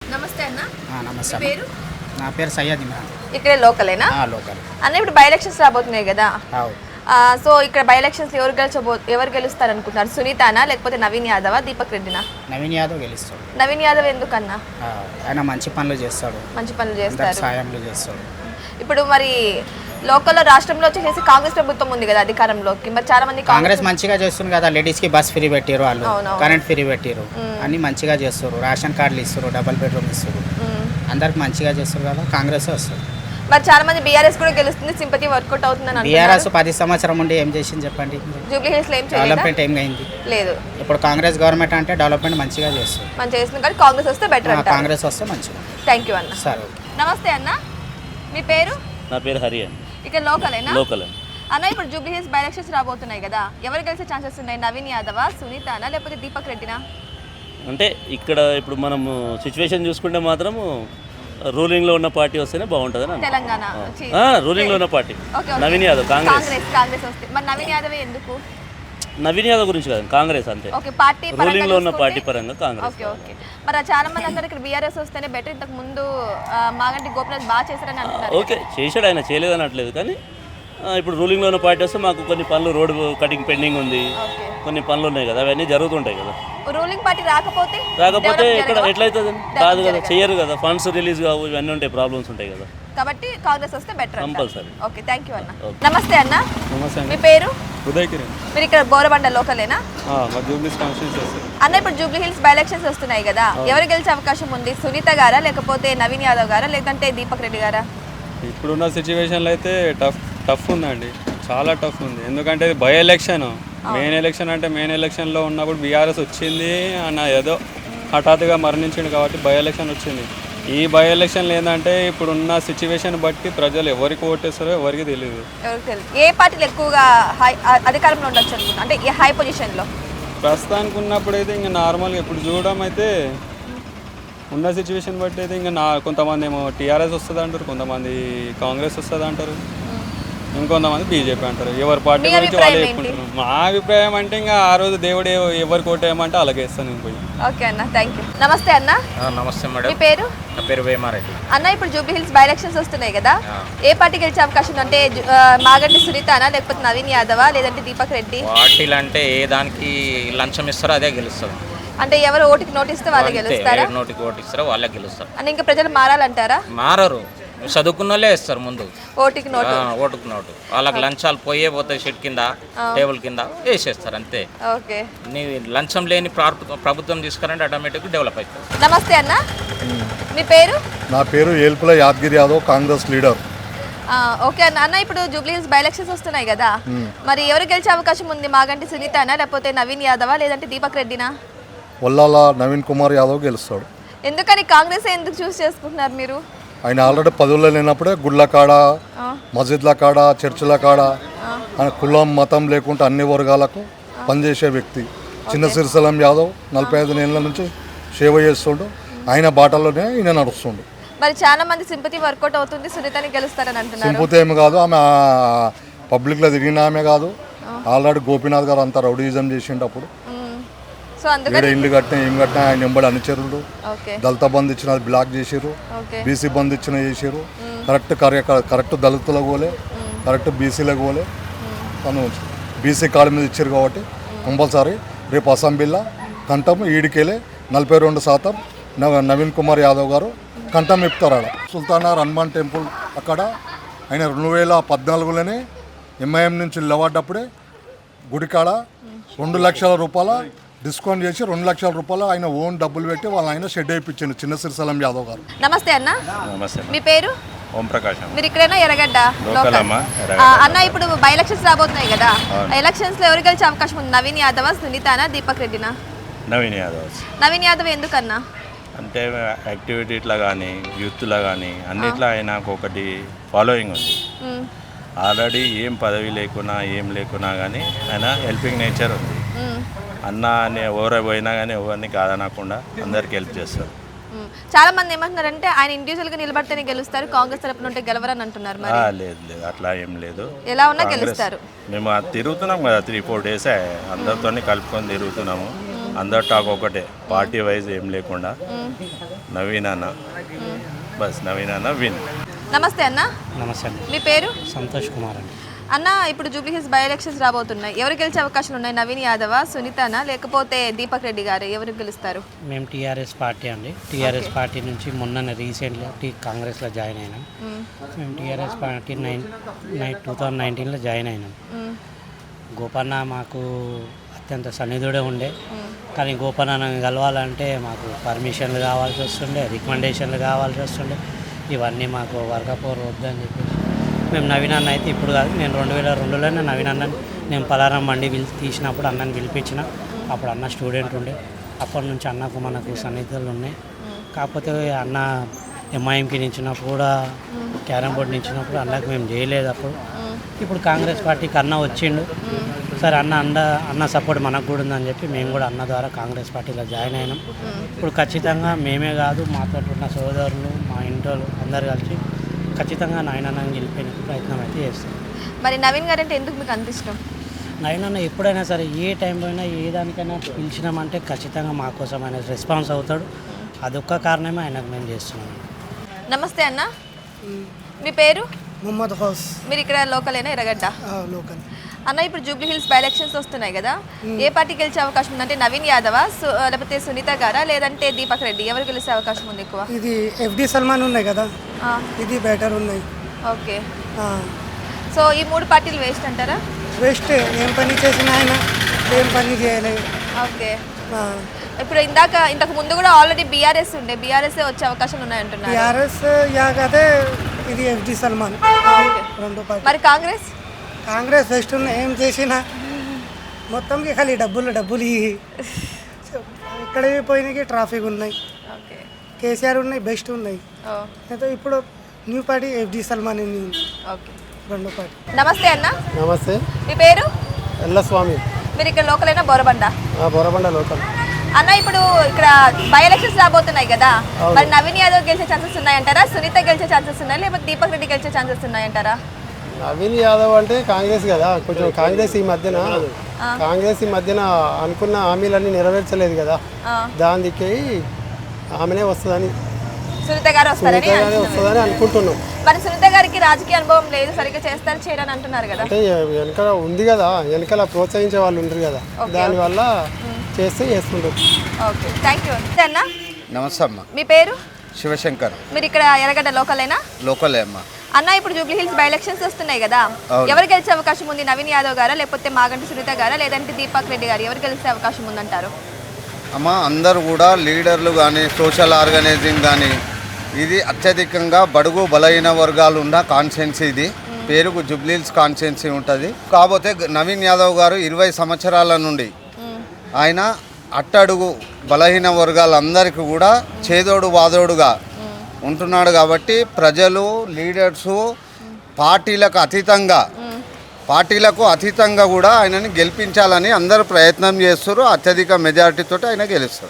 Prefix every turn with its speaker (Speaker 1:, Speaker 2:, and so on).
Speaker 1: నమస్తే అన్న.
Speaker 2: నమస్తే
Speaker 1: మీ పేరు?
Speaker 2: నా పేరు సయ్యద్ ఇమ్రాన్.
Speaker 1: ఇక్కడే లోకలేనా?
Speaker 2: లోకల్.
Speaker 1: అన్న ఇప్పుడు బై ఎలక్షన్స్ రాబోతున్నాయి కదా, సో ఇక్కడ బై ఎలక్షన్స్ ఎవరు గెలుస్తారు అనుకుంటున్నారు? సునీతానా లేకపోతే నవీన్ యాదవా దీపక్ రెడ్డినా?
Speaker 2: నవీన్ యాదవ్ గెలుస్తాడు.
Speaker 1: నవీన్ యాదవ్ ఎందుకన్నా?
Speaker 2: ఆయన మంచి పనులు చేస్తాడు,
Speaker 1: మంచి పనులు చేస్తారు,
Speaker 2: సాయంలు చేస్తాడు.
Speaker 1: ఇప్పుడు మరి లోకల్లో రాష్ట్రంలో వచ్చేసి కాంగ్రెస్ ప్రభుత్వం ఉంది కదా అధికారంలోకి, మరి చాలా మంది
Speaker 2: కాంగ్రెస్ మంచిగా చేస్తుంది కదా. లేడీస్ కి బస్ ఫ్రీ పెట్టారు, వాళ్ళు కరెంట్ ఫ్రీ పెట్టారు, అన్ని మంచిగా చేస్తారు. రేషన్ కార్డులు ఇస్తారు, డబుల్ బెడ్రూమ్ ఇస్తారు, అందరికి మంచిగా చేస్తారు కదా. కాంగ్రెస్ వస్తుంది.
Speaker 1: మరి చాలా మంది బీఆర్ఎస్ కూడా గెలుస్తుంది, సింపతి వర్కౌట్ అవుతుందని.
Speaker 2: బీఆర్ఎస్ 10 సంవత్సరం ఉండి ఏం చేసింది చెప్పండి?
Speaker 1: జూబ్లీ హిల్స్ లో ఏం చేయలేదు,
Speaker 2: డెవలప్మెంట్ ఏం అయింది
Speaker 1: లేదు.
Speaker 2: ఇప్పుడు కాంగ్రెస్ గవర్నమెంట్ అంటే డెవలప్మెంట్ మంచిగా చేస్తుంది.
Speaker 1: మంచిగా చేస్తుంది కానీ కాంగ్రెస్ వస్తే బెటర్.
Speaker 2: కాంగ్రెస్ వస్తే మంచిగా.
Speaker 1: థ్యాంక్ యూ అన్న.
Speaker 2: సరే.
Speaker 1: నమస్తే అన్న, మీ పేరు?
Speaker 3: నా పేరు హరి అని.
Speaker 1: ఇక్కడ లోకలేనా?
Speaker 3: లోకల్
Speaker 1: అన్న. ఇప్పుడు జూబ్లీ హిల్స్ బై ఎలక్షన్స్ రాబోతున్నాయి కదా, ఎవరు గెలిచే ఛాన్సెస్ ఉన్నాయి? నవీన్ యాదవా, సునీతానా లేకపోతే దీపక్ రెడ్డినా?
Speaker 3: అంటే ఇక్కడ ఇప్పుడు మనము సిచ్యువేషన్ చూసుకుంటే మాత్రము రూలింగ్లో ఉన్న పార్టీ వస్తేనే బాగుంటుంది.
Speaker 1: తెలంగాణ
Speaker 3: రూలింగ్లో ఉన్న పార్టీ నవీన్ యాదవ్, కాంగ్రెస్.
Speaker 1: కాంగ్రెస్ వస్తే మరి నవీన్ యాదవ్ ఎందుకు?
Speaker 3: నవీన్ యాదవ్ గురించి కాదు, కాంగ్రెస్ అంతే.
Speaker 1: ఓకే, పార్టీ
Speaker 3: రూలింగ్లో ఉన్న పార్టీ పరంగా కాంగ్రెస్.
Speaker 1: Okay okay. మరి చాలా మంది అంటారు ఇక్కడ బీఆర్ఎస్ వస్తేనే బెటర్, ఇంతకు ముందు మాగంటి గోపినాథ్ బాగా చేశారని అంటున్నారు.
Speaker 3: ఓకే, చేశాడు, ఆయన చేయలేదని అనట్లేదు. కానీ ఇప్పుడు రూలింగ్లో ఉన్న పార్టీ వస్తే మాకు కొన్ని పనులు, రోడ్ కటింగ్ పెండింగ్ ఉంది, కొన్ని పనులు ఉన్నాయి కదా, అవన్నీ జరుగుతుంటాయి కదా.
Speaker 1: రూలింగ్ పార్టీ రాకపోతే
Speaker 3: ఇక్కడ ఎట్లయితుంది? కాదు కదా, చెయ్యరు కదా, ఫండ్స్ రిలీజ్ కావు, ఇవన్నీ ఉంటాయి, ప్రాబ్లమ్స్ ఉంటాయి కదా.
Speaker 1: కాబట్టి కాంగ్రెస్ వస్తే better
Speaker 3: compulsory.
Speaker 1: Okay, thank you అన్న. నమస్తే అన్న.
Speaker 4: నమస్తే.
Speaker 1: మీ పేరు?
Speaker 4: ఉదయ్ కిరణ్.
Speaker 1: మీరు ఇక్కడ బోరబండ లోకలేనా? అన్న. ఇప్పుడు జూబ్లీ హిల్స్ బై ఎలక్షన్స్ వస్తున్నాయి కదా, ఎవరు గెలిచే అవకాశం ఉంది? సునీత గారా లేకపోతే నవీన్ యాదవ్ గారా లేదంటే దీపక్ రెడ్డి గారా?
Speaker 4: ఇప్పుడున్న సిచ్యువేషన్లో అయితే టఫ్ ఉందండి, చాలా టఫ్ ఉంది. ఎందుకంటే ఇది బై ఎలక్షన్, మెయిన్ ఎలక్షన్ అంటే మెయిన్ ఎలక్షన్లో ఉన్నప్పుడు బీఆర్ఎస్ వచ్చింది అన్న, ఏదో హఠాత్తుగా మరణించింది కాబట్టి బై ఎలక్షన్ వచ్చింది. ఈ బై ఎలక్షన్లు ఏంటంటే ఇప్పుడున్న సిచ్యువేషన్ బట్టి ప్రజలు ఎవరికి ఓటేస్తారో ఎవరికి తెలియదు.
Speaker 1: ఏ పార్టీలు ఎక్కువగా అధికారంలో ఉండొచ్చు అనుకుంటా, అంటే ఈ హై పొజిషన్లో?
Speaker 4: ప్రస్తుతానికి ఉన్నప్పుడు అయితే ఇంకా నార్మల్గా ఇప్పుడు చూడడం అయితే ఉన్న సిచ్యువేషన్ బట్టి అయితే ఇంకా కొంతమంది ఏమో టీఆర్ఎస్ వస్తుంది అంటారు, కొంతమంది కాంగ్రెస్ వస్తుంది అంటారు, ఇంకొంతమంది బీజేపీ అంటారు. ఎవరి పార్టీ గురించి వాళ్ళు చెప్పుకుంటారు. మా అభిప్రాయం అంటే ఇంకా ఆ రోజు దేవుడు ఎవరికి ఓటేయమంటే అలాగే ఇస్తాను పోయి.
Speaker 1: ఓకే అన్న, థ్యాంక్ యూ. నమస్తే అన్న.
Speaker 2: నమస్తే మేడం.
Speaker 1: మీ పేరు?
Speaker 2: నా పేరు వేమారెడ్డి.
Speaker 1: అన్న. ఇప్పుడు జూబ్లీ హిల్స్ బై ఎలక్షన్స్ వస్తున్నాయి కదా, ఏ పార్టీ గెలిచే అవకాశం ఉంది? అంటే మాగంటి సునీతానా లేకపోతే నవీన్ యాదవా లేదంటే దీపక్ రెడ్డి?
Speaker 5: పార్టీలు అంటే ఏ దానికి లంచం ఇస్తారో అదే గెలుస్తుంది.
Speaker 1: అంటే ఎవరు ఓటుకి నోటు ఇస్తే వాళ్ళే గెలుస్తారా?
Speaker 5: నోటికి ఓటు ఇస్తారో వాళ్ళే గెలుస్తారు.
Speaker 1: అంటే ఇంకా ప్రజలు మారాలంటారా?
Speaker 5: మారరు, చదువుకున్న వాళ్ళే ఇస్తారు ముందు
Speaker 1: ఓటుకి నోటు.
Speaker 5: ఓటుకు నోటు వాళ్ళకి లంచాలు పోతాయి, షెడ్ కింద టేబుల్ కింద వేసేస్తారు అంతే.
Speaker 1: ఓకే.
Speaker 5: నీ లంచం లేని ప్రభుత్వం తీసుకురంటే ఆటోమేటిక్ డెవలప్ అవుతుంది.
Speaker 1: నమస్తే అన్న. మీ పేరు?
Speaker 6: నా పేరు ఏల్పుల యాదగిరి యాదవ్, కాంగ్రెస్ లీడర్.
Speaker 1: ఓకే అన్న. అన్న. ఇప్పుడు జూబ్లీ హిల్స్ బై ఎలక్షన్స్ వస్తున్నాయి కదా, మరి ఎవరు గెలిచే అవకాశం ఉంది? మాగంటి సునీతానా లేకపోతే నవీన్ యాదవా లేదంటే దీపక్ రెడ్డినా?
Speaker 6: వల్లాల నవీన్ కుమార్ యాదవ్ గెలుస్తాడు.
Speaker 1: ఎందుకని కాంగ్రెస్ ఎందుకు చూస్ చేసుకుంటున్నారు మీరు?
Speaker 6: ఆయన ఆల్రెడీ పదవుల్లో లేనప్పుడే గుళ్ళ కాడ, మస్జిద్ల కాడ, చర్చిల కాడ ఆయన కులం మతం లేకుండా అన్ని వర్గాలకు పనిచేసే వ్యక్తి. చిన్న సిరిసలం యాదవ్ 45 ఏళ్ళ నుంచి సేవ చేస్తుండు, ఆయన బాటలోనే ఈయన నడుస్తుండు.
Speaker 1: మరి చాలా మంది సింపతి వర్కౌట్ అవుతుంది, సునీతని గెలుస్తారని అంటున్నారు.
Speaker 6: సింపతి ఏమి కాదు, ఆమె పబ్లిక్లో తిరిగిన ఆమె కాదు. ఆల్రెడీ గోపీనాథ్ గారు అంతా రౌడీజం చేసిండప్పుడు ఇల్లు కట్టినా ఏం కట్టినా ఆయన ఎంబడి అనుచరుడు. దళిత బంధు ఇచ్చిన బ్లాక్ చేసారు, బీసీ బంధు ఇచ్చిన చేసారు. కరెక్ట్ దళితులకు పోలే, కరెక్ట్ బీసీలకు పోలే. తను బీసీ కార్డు మీద ఇచ్చారు కాబట్టి కంపల్సరీ రేపు అసెంబ్లీలో కంఠం ఈడికెళ్ళే 42% నవీన్ కుమార్ యాదవ్ గారు కంఠం ఇప్పుతారు. ఆడ సుల్తానార్ హనుమాన్ టెంపుల్ అక్కడ ఆయన 2014లోనే ఎంఐఎం నుంచి నిలబడ్డప్పుడే గుడికాడ 2 లక్షల రూపాయల డిస్కౌంట్ చేసి 2 లక్షల రూపాయలు ఆయన ఓన్ డబ్బులు పెట్టి వాళ్ళు ఆయన షెడ్ అయిపించింది చిన్న సిరిసలం యాదవ్ గారు.
Speaker 1: నమస్తే అన్న.
Speaker 3: నమస్తే.
Speaker 1: మీ పేరు?
Speaker 3: ఓం ప్రకాశ్.
Speaker 1: మీరు ఇక్కడైనా ఎర్రగడ్డ అన్న. ఇప్పుడు బై ఎలక్షన్స్ రాబోతున్నాయి కదా, ఎలక్షన్స్ లో ఎవరు గెలిచే అవకాశం ఉంది? నవీన్ యాదవ్, సునీతానా, దీపక్ రెడ్డినా?
Speaker 3: నవీన్ యాదవ్.
Speaker 1: నవీన్ యాదవ్ ఎందుకన్నా?
Speaker 3: అంటే యాక్టివిటీలో కానీ యూత్లో కానీ అన్నిట్లో ఆయనకు ఒకటి ఫాలోయింగ్ ఉంది. ఆల్రెడీ ఏం పదవి లేకున్నా ఏం లేకున్నా కానీ ఆయన హెల్పింగ్ నేచర్ ఉంది. అన్న అని ఎవరు పోయినా కానీ ఎవరిని కాదనకుండా అందరికి హెల్ప్ చేస్తారు.
Speaker 1: చాలా మంది ఏమంటున్నారంటే ఆయన ఇండివిజువల్ గా నిలబడితేనే గెలుస్తారు, కాంగ్రెస్ తరపున ఉంటే గెలవరని అంటున్నారు.
Speaker 3: లేదు లేదు, అట్లా ఏం లేదు.
Speaker 1: ఎలా ఉన్నా గెలుస్తారు.
Speaker 3: మేము తిరుగుతున్నాం కదా, 3-4 డేస్ అందరితో కలుపుకొని తిరుగుతున్నాము. అందరు టాక్ ఒకటే, పార్టీ వైజ్ ఏం లేకుండా నవీన్ అన్న, బస్ నవీన్ అన్న విన్.
Speaker 1: నమస్తే అన్న.
Speaker 7: నమస్తే అండి.
Speaker 1: మీ పేరు?
Speaker 7: సంతోష్ కుమార్ అండి.
Speaker 1: అన్న, ఇప్పుడు జూబ్లీ హిల్స్ బై ఎలక్షన్స్ రాబోతున్నాయి. ఎవరు గెలిచే అవకాశాలు ఉన్నాయి? నవీన్ యాదవ్, సునీతనా, లేకపోతే దీపక్ రెడ్డి గారు? ఎవరు గెలుస్తారు?
Speaker 7: మేము టీఆర్ఎస్ పార్టీ అండి. టీఆర్ఎస్ పార్టీ నుంచి మొన్న రీసెంట్గా కాంగ్రెస్లో జాయిన్ అయినాం. మేము టీఆర్ఎస్ పార్టీ 2019లో జాయిన్ అయినాం. గోపన్న మాకు అత్యంత సన్నిధుడే ఉండే, కానీ గోపన్న కలవాలంటే మాకు పర్మిషన్లు కావాల్సి వస్తుండే, రికమెండేషన్లు కావాల్సి వస్తుండే. ఇవన్నీ మాకు వర్గపోరు వద్దని చెప్పేసి మేము నవీన్ అన్న అయితే ఇప్పుడు కాదు, నేను 2002లోనే నవీన్ అన్నని నేను పలారం మండి తీసినప్పుడు అన్నని పిలిపించిన. అప్పుడు అన్న స్టూడెంట్ ఉండే, అప్పటి నుంచి అన్నకు మనకు సన్నిహితులు ఉన్నాయి. కాకపోతే అన్న ఎంఐఎంకి నించినప్పుడు కూడా, క్యారమ్ బోర్డు నించినప్పుడు అన్నకు మేము చేయలేదు. అప్పుడు ఇప్పుడు కాంగ్రెస్ పార్టీకి అన్న వచ్చిండు. సరే అన్న సపోర్ట్ మనకు కూడా ఉందని చెప్పి మేము కూడా అన్న ద్వారా కాంగ్రెస్ పార్టీలో జాయిన్ అయినాం. ఇప్పుడు ఖచ్చితంగా మేమే కాదు, మాతో ఉన్న సోదరులు, మా ఇంట్లో అందరు కలిసి ఖచ్చితంగా నాయనన్నని గెలిపే ప్రయత్నం అయితే చేస్తాం.
Speaker 1: మరి నవీన్ గారు అంటే ఎందుకు మీకు అంత ఇష్టం?
Speaker 7: నవీన్ అన్న ఎప్పుడైనా సరే, ఏ టైంలో అయినా, ఏ దానికైనా పిలిచినామంటే ఖచ్చితంగా మా కోసం ఆయన రెస్పాన్స్ అవుతాడు. అదొక్క కారణమే ఆయనకు మేము చేస్తున్నాం.
Speaker 1: నమస్తే అన్న. మీ పేరు?
Speaker 8: మొహమ్మద్ హౌస్.
Speaker 1: మీరు ఇక్కడ లోకలేనా, ఎర్రగడ్డ?
Speaker 8: లోకల్.
Speaker 1: అన్న, ఇప్పుడు జూబ్లీ హిల్స్ బై ఎలక్షన్స్ వస్తున్నాయి కదా, ఏ పార్టీ గెలిచే అవకాశం ఉంది? అంటే నవీన్ యాదవా, లేకపోతే సునీత గారా, లేదంటే దీపక్ రెడ్డి? ఎవరు గెలిచే అవకాశం ఉంది ఎక్కువ?
Speaker 8: ఇది FD సల్మాన్ ఉన్నాయి కదా, ఇది బెటర్ ఉన్నాయి.
Speaker 1: ఓకే. సో ఈ 3 పార్టీలు వేస్ట్ అంటారా?
Speaker 8: వేస్ట్. ఏం పని చేసిన ఆయన ఏం పని చేయలేదు.
Speaker 1: ఓకే. ఇప్పుడు ఇంతకు ముందు కూడా ఆల్రెడీ బీఆర్ఎస్ ఉండే, బీఆర్ఎస్ వచ్చే అవకాశాలు ఉన్నాయంటున్నారు.
Speaker 8: టీఆర్ఎస్ యాగదే, ఇది FD సల్మాన్. రెండు పార్టీ.
Speaker 1: మరి కాంగ్రెస్
Speaker 8: వేస్ట్ ఉన్నాయి. ఏం చేసినా మొత్తంకి ఖాళీ డబ్బులు ఇక్కడ పోయినాకి ట్రాఫిక్ ఉన్నాయి. కేసీఆర్ ఉన్నాయి, బెస్ట్ ఉన్నాయి. అయితే ఇప్పుడు న్యూ పార్టీ FD సల్మాన్ ఉంది.
Speaker 1: ఓకే.
Speaker 8: రెండు పార్టీ.
Speaker 1: నమస్తే అన్న.
Speaker 9: నమస్తే.
Speaker 1: మీ పేరు?
Speaker 9: ఎల్లస్వామి.
Speaker 1: మీరు ఇక్కడ లోకలేనా, బోరబండ?
Speaker 9: బోరబండ లోకల్.
Speaker 1: అన్న, ఇప్పుడు ఇక్కడ బై ఎలక్షన్స్ రాబోతున్నాయి కదా, మరి నవీన్ యాదవ్ గెలిచే ఛాన్సెస్ ఉన్నాయంటారా, సునీత గెలిచే ఛాన్సెస్ ఉన్నాయి, లేకపోతే దీపక్ రెడ్డి గెలిచే ఛాన్సెస్ ఉన్నాయంటారా?
Speaker 9: నవీన్ యాదవ్ అంటే కాంగ్రెస్ కదా, కొంచెం కాంగ్రెస్ ఈ మధ్యన అనుకున్న హామీలన్నీ నెరవేర్చలేదు కదా, దానికి ఆమెనే వస్తుందని,
Speaker 1: సునీత గారు వస్తారని
Speaker 9: అనుకుంటున్నాం.
Speaker 1: మరి సునీత గారికి రాజకీయ అనుభవం లేదు, సరిగ్గా చేయరని అంటున్నారు కదా.
Speaker 9: అంటే వెనకాల ఉంది కదా, వెనకాల ప్రోత్సహించే వాళ్ళు ఉంటారు కదా, దానివల్ల చేస్తుంటారు.
Speaker 1: ఓకే, థ్యాంక్ యూ అన్న.
Speaker 10: నమస్తే అమ్మ.
Speaker 1: మీ పేరు?
Speaker 10: శివశంకర్.
Speaker 1: మీరు ఇక్కడ ఎర్రగడ్డ లోకలేనా?
Speaker 10: లోకలే అమ్మ.
Speaker 1: అన్న, ఇప్పుడు జూబ్లీ హిల్స్ బై ఎలక్షన్స్ వస్తున్నాయి కదా, ఎవరు గెలిచే అవకాశం ఉంది? నవీన్ యాదవ్ గారా, లేకపోతే మాగంటి సునీత గారా, లేదంటే దీపక్ రెడ్డి గారు? ఎవరు గెలిచే అవకాశం ఉందంటారు?
Speaker 10: అమ్మ, అందరూ కూడా లీడర్లు కానీ, సోషల్ ఆర్గనైజింగ్ కానీ, ఇది అత్యధికంగా బడుగు బలహీన వర్గాలు ఉన్న కాన్స్టిట్యున్సీ. ఇది పేరుకు జూబ్లీ హిల్స్ కాన్స్టిట్యున్సీ ఉంటుంది. కాకపోతే నవీన్ యాదవ్ గారు 20 సంవత్సరాల నుండి ఆయన అట్టడుగు బలహీన వర్గాలందరికీ కూడా చేదోడు వాదోడుగా ఉంటున్నాడు. కాబట్టి ప్రజలు, లీడర్సు పార్టీలకు అతీతంగా కూడా ఆయనని గెలిపించాలని అందరూ ప్రయత్నం చేస్తారు. అత్యధిక మెజారిటీతో ఆయన గెలుస్తారు.